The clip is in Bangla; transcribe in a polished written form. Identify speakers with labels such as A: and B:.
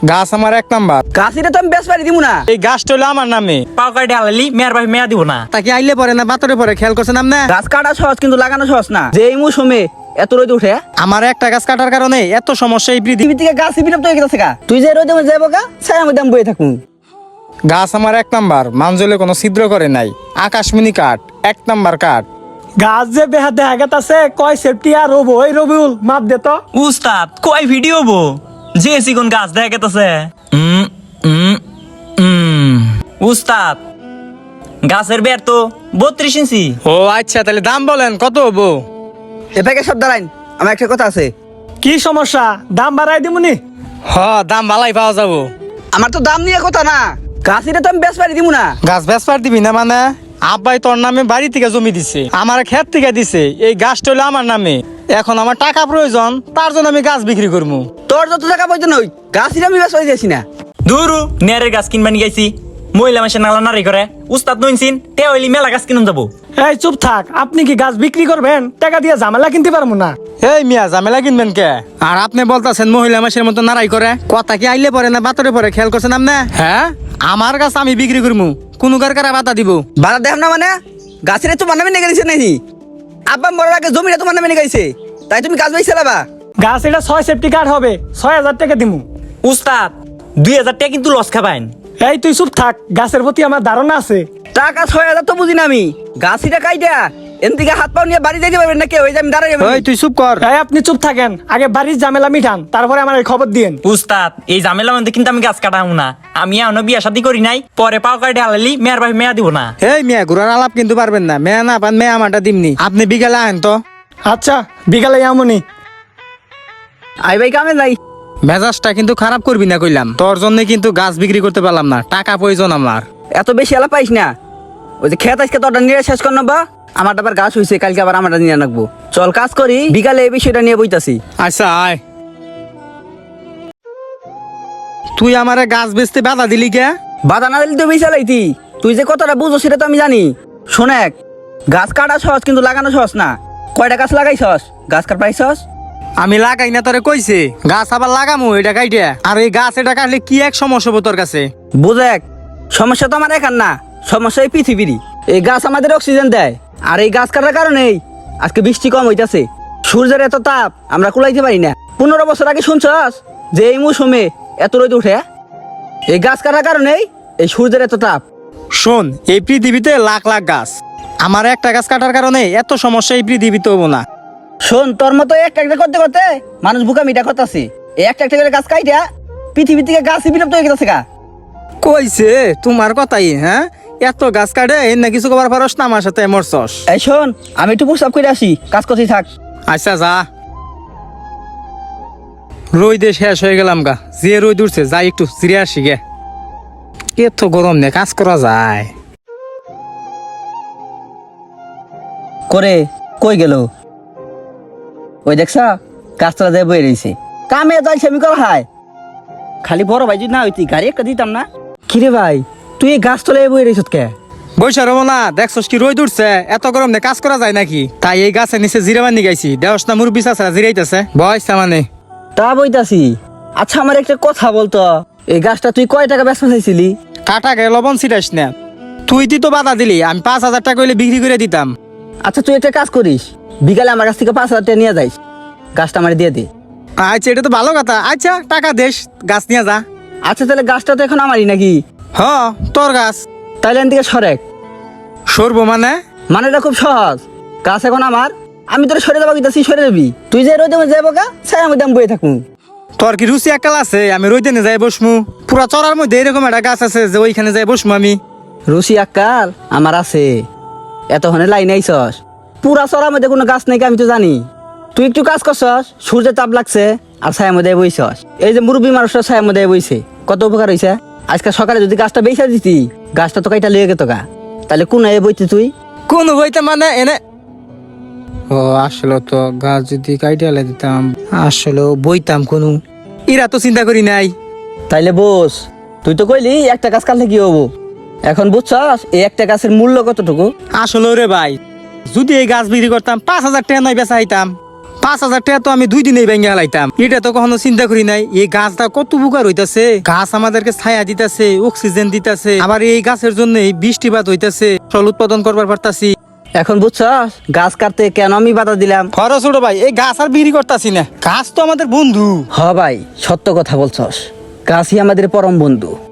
A: গাছ আমার এক নাম্বার।
B: গাছিটা তো আমি বেশ পারি দিব না।
A: এই গাছটা হলো আমার নামে।
C: পাও কাটে আলালি মেয়ের ভাই মেয়া দিব না।
A: তাকে আইলে পরে না বাতরে পরে খেয়াল করছেন আপনি?
B: গাছ কাটা সহজ কিন্তু লাগানো সহজ না। যে এই মৌসুমে এত রোদ উঠে
A: আমার একটা গাছ কাটার কারণে এত সমস্যা এই পৃথিবী।
B: টিভি থেকে গাছ বিলুপ্ত হয়ে গেছে গা। তুই যে রোদে মধ্যে যাবো গা ছায়া মধ্যে আমি বয়ে থাকুন।
A: গাছ আমার এক নাম্বার, মানজলে কোনো ছিদ্র করে নাই। আকাশমণি কাঠ, এক নাম্বার কাঠ।
D: গাছ যে বেহা দেখা গেতাছে কয় সেফটি আর রবো ওই রবিউল মাপ দে তো।
C: উস্তাদ কয় ভিডিও বো যে সিগুন গাছ দেখা গেতেছে। উস্তাদ গাছের বের তো 32 ইঞ্চি।
A: ও আচ্ছা, তাহলে দাম বলেন কত হবো?
B: এ প্যাকে সব দাঁড়াইন, আমার একটা কথা আছে।
D: কি সমস্যা, দাম বাড়াই দিমুনি?
A: হ, দাম ভালাই পাওয়া যাবো।
B: আমার তো দাম নিয়ে কথা না, গাছিটা তো আমি বেশ পারি দিব না।
A: গাছ বেচবার দিবি না মানে? আব্বাই তোর নামে বাড়ি থেকে জমি দিছে, আমার ক্ষেত থেকে দিছে। এই গাছটা হলো আমার নামে। এখন আমার টাকা প্রয়োজন, তার জন্য আমি গাছ বিক্রি করবো।
B: তোর যত টাকা প্রয়োজন ওই গাছিটা আমি বেশ পারি দিয়েছি না।
C: দূরু নেয়ারের গাছ কিনবা নিয়ে গেছি। মহিলা মাসে নালা নারী করে উস্তাদ নইনছিন তে হইলি মেলা গাছ কিনুন যাবো।
D: এই চুপ থাক, আপনি কি গাছ বিক্রি করবেন? টাকা দিয়ে ঝামেলা কিনতে পারবো না।
A: এই মিয়া, ঝামেলা কিনবেন কে? আর আপনি বলতেছেন মহিলা মাসের মতো নারাই করে। কথা কি আইলে পরে না বাতরে পরে খেয়াল করছেন আপনি? হ্যাঁ, আমার গাছ আমি বিক্রি করবো, কোন কারা বাধা দিব?
B: বাধা দেখ না মানে গাছিটা তোমার নামে নিয়ে গেছে নাকি? আব্বা মরার আগে জমিটা তোমার নামে নিয়ে গেছে, তাই তুমি গাছ বেশি চালাবা?
D: গাছ এটা 6 সেফটি কার্ড হবে, 6000 টাকা দিমু।
C: উস্তাদ 2000 টাকা কিন্তু লস খাবাইন।
D: এই তুই চুপ থাক, গাছের প্রতি আমার ধারণা আছে।
B: টাকা 6000 তো বুঝি না আমি। গাছিটা কাইটা এন থেকে হাত পাও নিয়ে বাড়ি যাইতে পারবেন না কেউ? ওই যে আমি দাঁড়াই যাবো।
A: ওই তুই চুপ কর।
D: এই আপনি চুপ থাকেন, আগে বাড়ির ঝামেলা মিঠান, তারপরে আমার এই খবর দিয়েন।
C: উস্তাদ এই ঝামেলা মধ্যে কিন্তু আমি গাছ কাটাবো না। আমি এখনো বিয়া শাদী করি নাই, পরে পাও কাটে আলালি মেয়ের ভাই মেয়া দিব না।
A: এই মিয়া, ঘুরার আলাপ কিন্তু পারবেন না। মেয়া না পান, মেয়া আমারটা দিমনি। আপনি বিকালে আহেন তো।
D: আচ্ছা বিকালে এমনই।
B: আই ভাই কামে যাই।
A: মেজাজটা কিন্তু খারাপ করবি না কইলাম। তোর জন্য কিন্তু গাছ বিক্রি করতে পারলাম না, টাকা প্রয়োজন আমার।
B: এত বেশি আলাপ পাইস না। ওই যে খেত আজকে তোরটা নিয়ে শেষ কর নেবা, আমারটা আবার গাছ হয়েছে, কালকে আবার আমারটা নিয়ে রাখবো। চল কাজ করি, বিকালে এই বিষয়টা নিয়ে বইতাছি।
A: আচ্ছা আয়। তুই আমারে গাছ বেচতে বাধা দিলি কে?
B: বাধা না দিলে তো বেশি লাইতি। তুই যে কতটা বুঝো সেটা তো আমি জানি। শোনেক, গাছ কাটা সহজ কিন্তু লাগানো সহজ না। কয়টা গাছ লাগাইছস? গাছ কাট পাইছস?
A: আমি লাগাই না, তোরে কইছে গাছ আবার লাগামু এটা কাইটে। আর এই গাছ এটা কাটলে কি এক সমস্যা হবো তোর কাছে?
B: বুঝেক, সমস্যা তো আমার একার না, সমস্যা এই পৃথিবীরই। এই গাছ আমাদের অক্সিজেন দেয়, আর এই গাছ কাটার কারণেই আজকে বৃষ্টি কম হইতাছে। সূর্যের এত তাপ আমরা কুলাইতে পারি না। 15 বছর আগে শুনছস যে এই মৌসুমে এত রোদ উঠে? এই গাছ কাটার কারণেই এই সূর্যের এত তাপ।
A: শোন, এই পৃথিবীতে লাখ লাখ গাছ, আমার একটা গাছ কাটার কারণে এত সমস্যা এই পৃথিবীতে হবো না।
B: শোন, তোর মতো একটা একটা করতে করতে মানুষ বুকামিটা করতেছে। এই একটা একটা করে গাছ কাইটা পৃথিবী থেকে গাছ বিলুপ্ত হয়ে গেছে গা।
A: কইছে তোমার কথাই? হ্যাঁ, এত গাছ কাটে না কিছু কবার পারস না আমার সাথে মরছস।
B: এই শোন, আমি একটু প্রস্তাব করে আসি, কাজ করতেই থাক।
A: আচ্ছা যা। রোদে শেষ হয়ে গেলাম গা, যে রোদ উঠছে, যাই একটু জিরে আসি গে। এত গরম নে কাজ করা যায়?
B: করে কই গেল? ওই দেখছা কাজটা যায় বয়ে রয়েছে। কামে যাইছে আমি কর হায়। খালি বড় ভাই যদি না হইতি গাড়ি একটা দিতাম না। কিরে ভাই, তুই এই গাছ তলায় বয়ে রয়েছ কে?
A: বৈশা রবো না, দেখছস কি রোদ উঠছে? এত গরম নে কাজ করা যায় নাকি? তাই এই গাছের নিচে জিরে বান্ধি গাইছি। দেওস না মুরব্বি চাচা জিরাইতেছে, বয়সা মানে।
B: তা বইতাছি। আচ্ছা আমার একটা কথা বলতো, এই গাছটা তুই কয় টাকা বেচতে চাইছিলি?
A: কাটা গে লবণ ছিটাইস না। তুই তো বাধা দিলি, আমি 5000 টাকা হইলে বিক্রি করে দিতাম।
B: আচ্ছা তুই একটা কাজ করিস, বিকালে আমার কাছ থেকে 5000 টাকা নিয়ে যাইস, গাছটা আমার দিয়ে দে।
A: আচ্ছা, এটা তো ভালো কথা। আচ্ছা টাকা দেশ, গাছ নিয়ে যা।
B: আচ্ছা তাহলে গাছটা তো এখন আমারই নাকি?
A: হ, তোর গাছ।
B: তাইলে এন থেকে সরেক।
A: সরবো মানে?
B: মানেটা খুব সহজ, গাছ এখন আমার, আমি তোর সরে যাবো কইতাছি, সরে যাবি। তুই যে রোদে মধ্যে যাবো গা, ছায়া মধ্যে আমি বয়ে থাকুন।
A: তোর কি রুচি একাল আছে? আমি রইতে নে যাই বসমু। পুরা চড়ার মধ্যে এরকম একটা গাছ আছে যে ওইখানে যাই বসমু আমি।
B: রুচি আক্কাল আমার আছে, এতক্ষণে লাইন আইসস। পুরা চড়ার মধ্যে কোনো গাছ নেই আমি তো জানি। তুই একটু কাজ করছস, সূর্যের তাপ লাগছে আর ছায়ার মধ্যে বইছস। এই যে মুরব্বী মানুষটা ছায়ার মধ্যে বইছে, কত উপকার হইছে। আজকে সকালে যদি গাছটা বেচা দিতি, গাছটা তো কাইটা লিয়ে গেত গা, তাহলে কোন বইতে তুই?
A: কোন বইতে মানে এনে? ও আসলে তো গাছ যদি কাইটালে দিতাম, আসলে বইতাম কোন। ইরা তো চিন্তা করি নাই।
B: তাইলে বস, তুই তো কইলি একটা গাছ কাটলে কি হবো। এখন বুঝছস এই একটা গাছের মূল্য কতটুকু?
A: আসলে রে ভাই, যদি এই গাছ বিক্রি করতাম 5000 টাকা নয় বেচা হইতাম। 5,000 টাকা তো আমি 2 দিনেই ভেঙে হালাইতাম। এটা তো কখনো চিন্তা করি নাই এই গাছটা কত উপকার হইতাছে। গাছ আমাদেরকে ছায়া দিতেছে, অক্সিজেন দিতেছে, আবার এই গাছের জন্য বৃষ্টিপাত হইতাছে, ফসল উৎপাদন করবার পারতাছি।
B: এখন বুঝছস গাছ কাটতে কেন আমি বাধা দিলাম?
A: খরচ ছোট ভাই, এই গাছ আর বিক্রি করতাছি না, গাছ তো আমাদের বন্ধু।
B: হ ভাই, সত্য কথা বলছস, গাছই আমাদের পরম বন্ধু।